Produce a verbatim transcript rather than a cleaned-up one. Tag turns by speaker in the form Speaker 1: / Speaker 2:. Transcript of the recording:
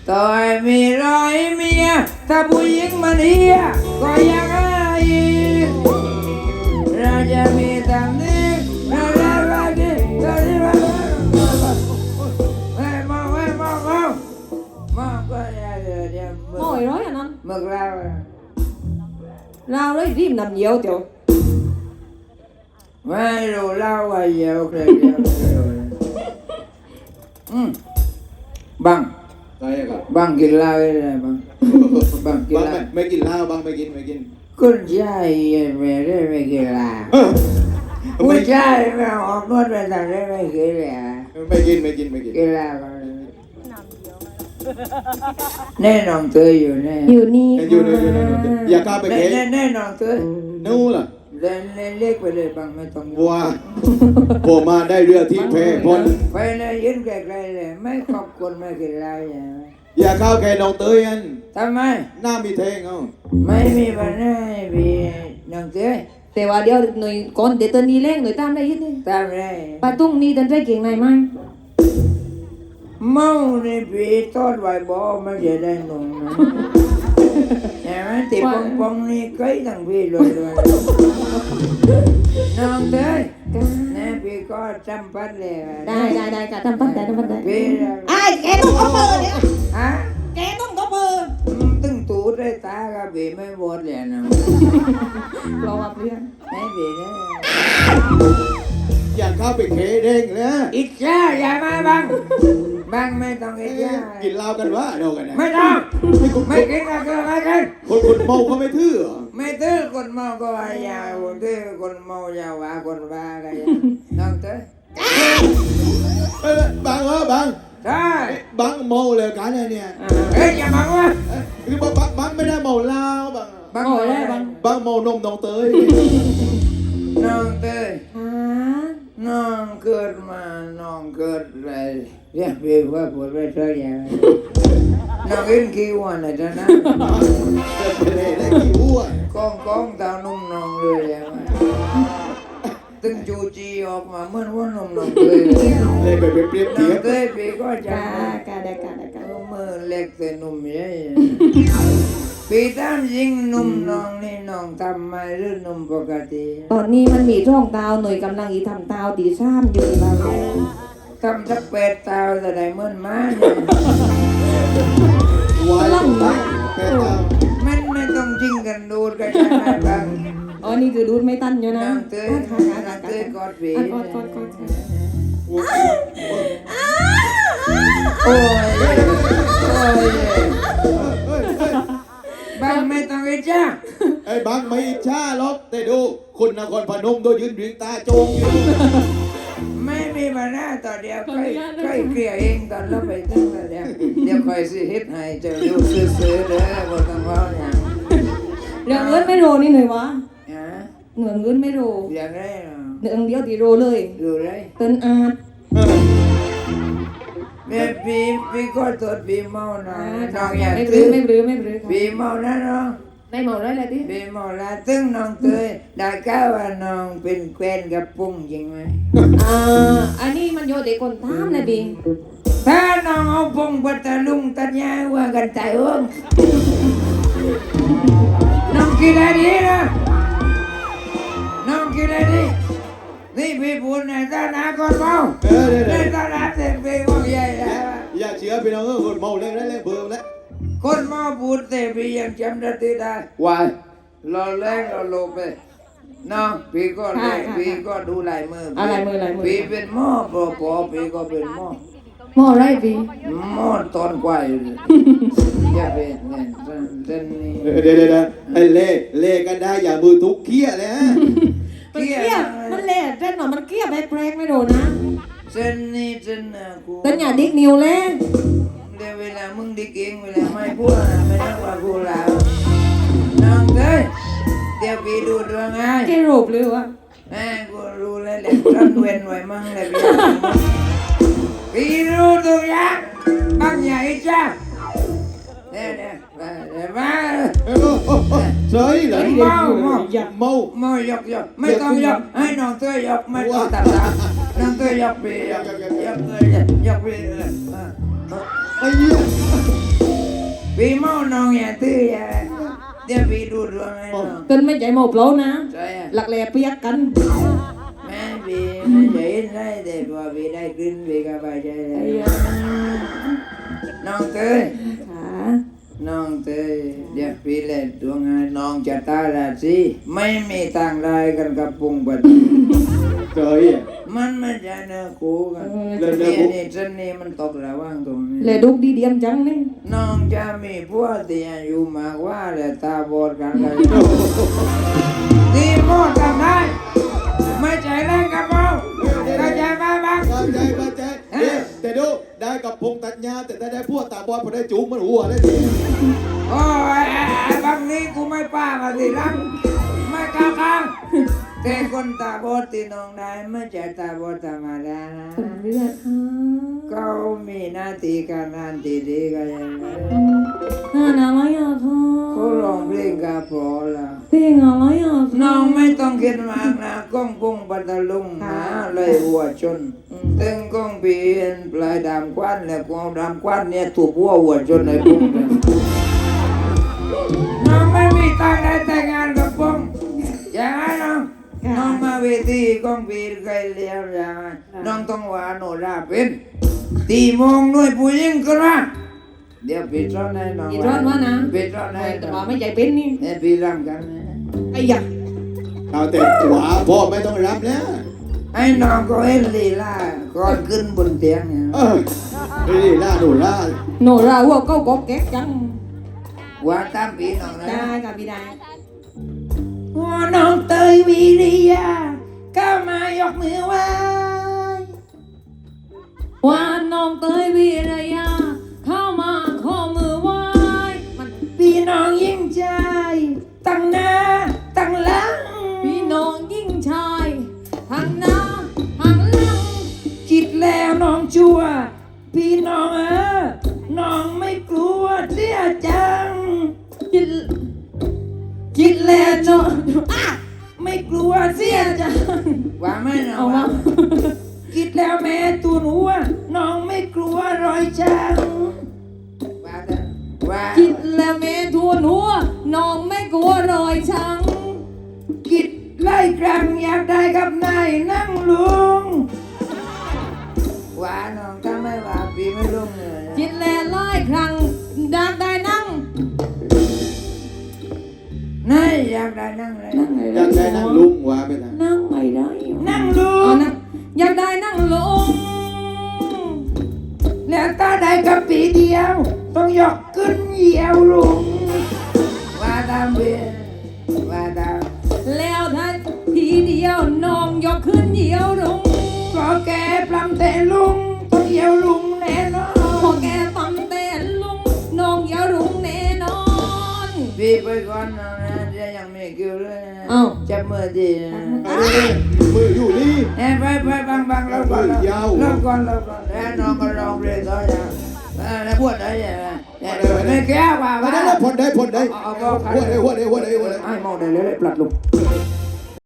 Speaker 1: ต่อยมีร้อยเมียถ้าผู้หญิงมันเฮียก็ยังไงเราจะมีตำหนิเราจะรักดีเราจะรักเฮ้ยมองเฮ้ยมองมองมองก็อย่าเดี๋ยวเดี๋ยว
Speaker 2: Ngồi nói à non
Speaker 1: มึกเรา
Speaker 2: Lao đấy rìm nằm nhiều tiểu
Speaker 1: ไม่รู้เล่าว่าเยอะเลยเยอะเลยอืมบัง
Speaker 3: อะไรครับ
Speaker 1: บังกินเหล้าได้บังบังกิน
Speaker 3: บาง
Speaker 1: เหล้า
Speaker 3: ไม่ไม่กินเหล้าบางไม่กินไม่กิน
Speaker 1: คุณชายไม่ได้ไม่กินเหล้าผู้ชายไม่ออกนวดไปทำได้ไม่กินเหล้า
Speaker 3: ไม่กินไม่กินไม่กิน
Speaker 1: กินเหล้าแน่นอนเธออยู่แน่
Speaker 2: Nhiều ni
Speaker 3: อยู่ในอยู่ในอย่าข้าไป
Speaker 1: แน่
Speaker 3: เค้
Speaker 1: แน่แน่นอนเธอ
Speaker 3: นู่นล่ะ
Speaker 1: เล่นเล่นเล็กไปเลยบังไม่ต้อง
Speaker 3: วัวผมมาได้เรือที่เพพน
Speaker 1: ไปเลยยืนไกลๆเลยไม่ขอบคุณไม่กินเหล้าอย่าง
Speaker 3: อย่าเข้าแกน้องเตยอัน
Speaker 1: ทำไม
Speaker 3: หน้ามีเทงเอา
Speaker 1: ไม่มีปัญหาพี่น้องเต้ย
Speaker 2: Thế vào đeo được người con để tên đi lên người tam đây hết đi
Speaker 1: ตามได้
Speaker 2: Bà tung đi tên trai kiểng này mai
Speaker 1: เมาในพี่ทอดไว้บ่ไม่จะได้หนุ่มนะเห็นไหมติดปองปองนี่ใกล้ทั้งพี่เลยเลยน้องเต้ยนะพี่ก็จำปัดเลย
Speaker 2: Đây đây đây cả tam bắt đây tam bắt đây
Speaker 1: พี่
Speaker 2: Ai kẻ tung có bờ đấy
Speaker 1: ฮะ
Speaker 2: Kẻ tung có bờ
Speaker 1: ตึงตูดได้ตากับพี่ไม่บดเลยนะ
Speaker 2: Lo gặp liền
Speaker 1: ไม่พี่นะ
Speaker 3: อย่าเข้าไปเคเด้งนะ
Speaker 1: อิจฉาอย่ามาบังบังไม่ต้องอิจฉา
Speaker 3: กินเหล้ากันวะเดียวกันนะ
Speaker 1: ไม่ต้อง
Speaker 3: ไม่คุณ
Speaker 1: ไม่กินก็คือไม่กิน
Speaker 3: คนคนเมาเขาไม่ทื่อ
Speaker 1: ไม่ตื้อคนเมาก็ว่ายาวคนตื้อคนเมาอย่าว่าคนบ้าก็อย่าน้องเต้ย
Speaker 3: เอ้ยบางเออบาง
Speaker 1: ใช่
Speaker 3: บางเมาเลยกันเนี่ย
Speaker 1: เฮ้ยอย่าบังวะ
Speaker 3: คือบางบางบางไม่ได้เมาเหล้าบาง
Speaker 1: บัง
Speaker 2: Ngồi đây bằng
Speaker 3: บางเมานมน้องเตย
Speaker 1: น้องเต้ย
Speaker 2: Hả
Speaker 1: น้องเกิดมาน้องเกิดอะไรเรียกพี่ว่าปวดไปเท่าอย่างน้องอินกี่วันเลยจ้ะนะ
Speaker 3: เกิดไปเลยได้กี่อ้วน
Speaker 1: กองกองตานุ่มน้องเลยอย่างตึงจูจีออกมาเหมื่อนว่านุ่มน้องเต้ย
Speaker 3: เลยไปเปรียบ
Speaker 1: น้อ
Speaker 3: เที
Speaker 1: ง
Speaker 3: ยบ
Speaker 1: เต้ยพี่ก็จำ
Speaker 2: Cả cả đây cả đây cả
Speaker 1: มือเล็กแต่นุ่มใหญ่พี่ตามยิงนุ่มน้องนี่น้องทำมาหรือนุ่มปกติ
Speaker 2: Tอนนี้มันมีช่องตาวหน่วยกำลังอีทำตาวตีซ้ำอยู่บ้าง
Speaker 1: ทำสักเป็ดตาวจะได้เหมือนม้าเนี่ย
Speaker 3: วายตั้งแปดเก้า
Speaker 1: มันไม่ต้องยิงกันดูดกันใช่ไหมบ้าง
Speaker 2: อ๋อนี่คือดูดไม่ตันอยู่นะ
Speaker 1: น้องเต้ย
Speaker 2: ค่ะ
Speaker 1: น้
Speaker 2: ค่ะ
Speaker 1: อง
Speaker 2: ค่ะ
Speaker 1: เต้ยกอดพี่
Speaker 2: กอดกอดกอด
Speaker 3: โอ้ย
Speaker 1: โอ้ยโอ้ย
Speaker 3: เฮ้ยเฮ้ย
Speaker 1: บ้างไม่ต้องไอ้จ้า
Speaker 3: ไอ้บางไม่อิจฉาหรอกแต่ดูคนนครพนมโดยยืนเรียงตาโจงอยู่
Speaker 1: ไม่มีปัญหาต่อเดียวค่อยค่อยเคลียร์เองตอนเราไปถึงแล้วเดี๋ยวเดี๋ยวค่อยสิเฮ็ดให้เจะดูซื้อๆเด้อบ่ต้องเว้าหยัง
Speaker 2: เรื่องเงินไม่โรนี่หน่อยวะ
Speaker 1: ฮะ
Speaker 2: เหนือเงินไม่โร
Speaker 1: อย่างไรเนาะ
Speaker 2: เรื่องเดียวตีโรเลย
Speaker 1: ดูไร
Speaker 2: เติ้นอาด
Speaker 1: แม่พี่พี่ก็ตดพี่เมานะน้องอยาก
Speaker 2: ไม่บรื้
Speaker 1: ซื้
Speaker 2: อ
Speaker 1: อ
Speaker 2: ไม่บรื้อไม่บรื้อค่ะ
Speaker 1: พี่เมานะน้อง
Speaker 2: ได้หมดได้เลยดิ
Speaker 1: พี่เมาละตึงน้องเตยได้ก้าวว่าน้องเป็นแควนกับปุ้งจริงไหม
Speaker 2: อ่าอันนี้มันโยเด็กคนทามเลยบิง
Speaker 1: ถ้าน้องเอาปุ้งปัตตะลุงตัดยาว่ากันใจอ้วงน้องกินอะไรดีนะน้องกินอะไรดีนี่พี่พูดในตาหนาคนเมา
Speaker 3: เออเดี๋ยว
Speaker 1: ใน
Speaker 3: เดี๋ยว
Speaker 1: ตาหนาเต็มพี่ว่าใหญ่แล้ว
Speaker 3: อย่าเชื่อพี่น้องเออคนเมาเล่นเล่นเล่นเบิ่มแล้ว
Speaker 1: คนมาพูดแต่พี่ยังจำได้ได้วายเราแรงเราโลไปน้องพี่ก็เล่นพี่ก็ดูลายมือ
Speaker 2: อะไรมืออะไรมือ
Speaker 1: พี่เป็นหม้อปอปอพี่ก็เป็นหม้อ
Speaker 2: หมอไรบิง
Speaker 1: หม้อตอนกวายเลยอย่าเป็นเนี่ยเส้นนี้
Speaker 3: เดี๋ยวเดี๋ยวเดี๋ยวไอ้เล่เล่กันได้อย่ามือทุกเขี้ยเลยฮะ
Speaker 2: มันเกี้ยมันเละเส้นหน่อมันเกี้ยไปแปลงไม่โดนนะ
Speaker 1: เส้นนี้เส้นน่ะกู
Speaker 2: เต้นอย่าดิกนิวเลย
Speaker 1: เดี๋ยวเวลามึงดิเก่งเวลาไม่พูดนะไม่ต้องว่ากูแล้วน้องเอ้ยเดี๋ยวพี่ดูดวงไง
Speaker 2: แกรูปเลยวะ
Speaker 1: แม่กูรู้แล้วแหละรันเว้นไว้มั่งเลยพี่พี่รู้ตัวอย่างบางอย่างอีจ้าเนี่ยเนี่ยมาเดี๋ยวมา
Speaker 3: เออโอ้โหเฉยเหรอ
Speaker 1: เมาเมา
Speaker 3: เมา
Speaker 1: เมายกยกไม่ต้องยกให้น้องเต้ยยกไม่ต้องตัดตาน้องเต้ยยกพี่ยกยกยกยกยกพี่เออ
Speaker 3: ไอ้เหี้ย
Speaker 1: พี่เมาน้องอย่าตื้ออย่าเดี๋ยวพี่ดูดวงให้น้อง
Speaker 2: เกินไม่ใจหมอบเรานะ
Speaker 1: ใช่อะ
Speaker 2: หลักแหล่เปียกกัน
Speaker 1: แม่พี่ไม่ใช่ได้แต่พอพี่ได้ขึ้นพี่ก็ไปใจเลยน้องเตย
Speaker 2: ค่ะ
Speaker 1: น้องเตยเดี๋ยวพี่เล่นดวงให้น้องจะตาราศีไม่มีทางได้กันกับปุงปัด
Speaker 3: เจยอ่ะ
Speaker 1: มันไม่ใช่เนื้อคู่กัน
Speaker 3: เรื่องเนื้อ
Speaker 1: นี่
Speaker 3: คู่
Speaker 1: นี่เส้นนี้มันตกระหว่างตรงนี้
Speaker 2: แหล่ดุกดีเดียมจังนี่
Speaker 1: น้องจะมีพวกที่อายุมากกว่าและตาบอดกันเลยดีหมดกันได้ไม่ใจแรงกับเราเข้าใจไหมบ้าง
Speaker 3: เข้าใจเข้าใจเนี่ยแต่ดูได้กับพงตัดหญ้าแต่ถ้าได้พวกตาบอดพอได้จูงมันหัวได้ที
Speaker 1: โอ้ยบางนี้กูไม่ป้ามาสิรังไม่ก้าวข้างแต่คนตาบอดที่น้องได้ไม่ใช่ตาบอดธรรมดานะ
Speaker 2: ผมเลือดค่ะ
Speaker 1: เขามีหน้าที่การงานที่ดีกันยังไง
Speaker 2: งานอะไรอ่ะพ่อ
Speaker 1: เขาร้องเพลงกับพอละ
Speaker 2: เพลงอะไรอ่ะ
Speaker 1: น้องไม่ต้องคิดมากนะก้องกุ้งปัตตลุงหาเลยหัวชนตึงก้องเปลี่ยนปลายดำควันแล้วกองดำควันเนี่ยถูกหัวหัวชนในปุ้งเลยน้องไม่มีตังค์ได้แต่งงานกับปุ้งอย่างไรน้องน้องมาเวทีก้องปีเคยเลี้ยวอย่างไรน้องต้องว่าโนราเป็นตีโมงหน่วยผู้หญิงขึ้นมาเดี๋ยวปิดร้อนให้น้อง
Speaker 2: อีร้อนวะนะ
Speaker 1: ปิดร้อนให้
Speaker 2: แต่
Speaker 1: น้
Speaker 2: ว่า
Speaker 1: อง
Speaker 2: ไม่ใจเป็นนี่
Speaker 1: เนี่ยพี่รำกันนะ
Speaker 2: ไอ้ยะ
Speaker 3: เอาแต่หัวพ่อไม่ต้องรับแล้ว
Speaker 1: ไอ้น้องก็เห็นลีลาก่อนขึ้นบนเตียงเนี่ย
Speaker 3: เออนี่ล่าหนูล่า
Speaker 2: โนราหัวเก้าก็แก๊กจัง
Speaker 1: ว่าตามพี่น้องนะ
Speaker 2: ได้กับพี่ได้
Speaker 1: ว่าน้องเตยวิริยาก็มายกมือไหว้
Speaker 2: ว่าน้องเตยวีรยาเข้ามาข้อมือไหว้มัน
Speaker 1: พี่น้องยิ่งใจตั้งหน้าตั้งหลัง
Speaker 2: พี่น้องยิ่งชายทางหน้าทางหลัง
Speaker 1: คิดแล้วน้องชั่ว พี่น้องเออน้องไม่กลัวเสียจัง
Speaker 2: คิด
Speaker 1: คิดแล้วน้อง
Speaker 2: อ่ะ
Speaker 1: ไม่กลัวเสียจังว่าไม่น้อ
Speaker 2: เอา
Speaker 1: ง
Speaker 2: มา
Speaker 1: ว่าคิดแล้วแม่ตัวหนูว่าน้องไม่กลัวรอยช้ำว่าแต่ว่า
Speaker 2: คิดแล้วแม่ทวนหัวน้องไม่กลัวรอยช้
Speaker 1: คิดไล่ครั้งอยากได้กับนายนั่งลุงว่าน้องถ้าไม่ว่าพี่ไม่ลุงเลย
Speaker 2: ำคิดแล้วร้อยครั้งดักได้นั่ง
Speaker 1: นายอยากได้นั่งเลย
Speaker 3: อยากได้นั่งลุงว่าไปนะ
Speaker 2: นั่งไม่ได้
Speaker 1: นั่งลุ
Speaker 2: อ๋อง นะอยากได้นั่งลง
Speaker 1: แล้วถ้าได้กับปีเดียว ต้องยกขึ้นเหยียวลุงว่าตามเบียว่าตาม
Speaker 2: แล้วถ้าทีเดียวน้องยกขึ้นเหยียวลง
Speaker 1: พอแกปลำแต่ลุงต้องเหยียวลุงแน่นอ
Speaker 2: พอน แกปั๊มเต้นลุงน้องเหยียวลุงแน่นอน
Speaker 1: พี่ไปก่อนนะเดี๋ยวยังไม่คิวเลยนะ
Speaker 2: เอ้า
Speaker 1: จับมือดีนะ
Speaker 3: มืออยู่นี่
Speaker 1: เอ้ยไปไปบังบังเราก่อนเรา
Speaker 3: ยาว
Speaker 1: เราก่อนเราก่อนแล้วน้องก็ร้องเพลงต่ออย่างเออแล้วพูดอะไรอย่างเงี้ยเนี่ยไม่แก้ว่า
Speaker 3: มา
Speaker 1: ว่า
Speaker 3: ได้แล้วพลได้พลได้
Speaker 1: เอา
Speaker 3: หั
Speaker 1: เอา
Speaker 3: วได้หัวได้หัวได้หัวได้
Speaker 1: ไอ้มองได้เลยปลัดลง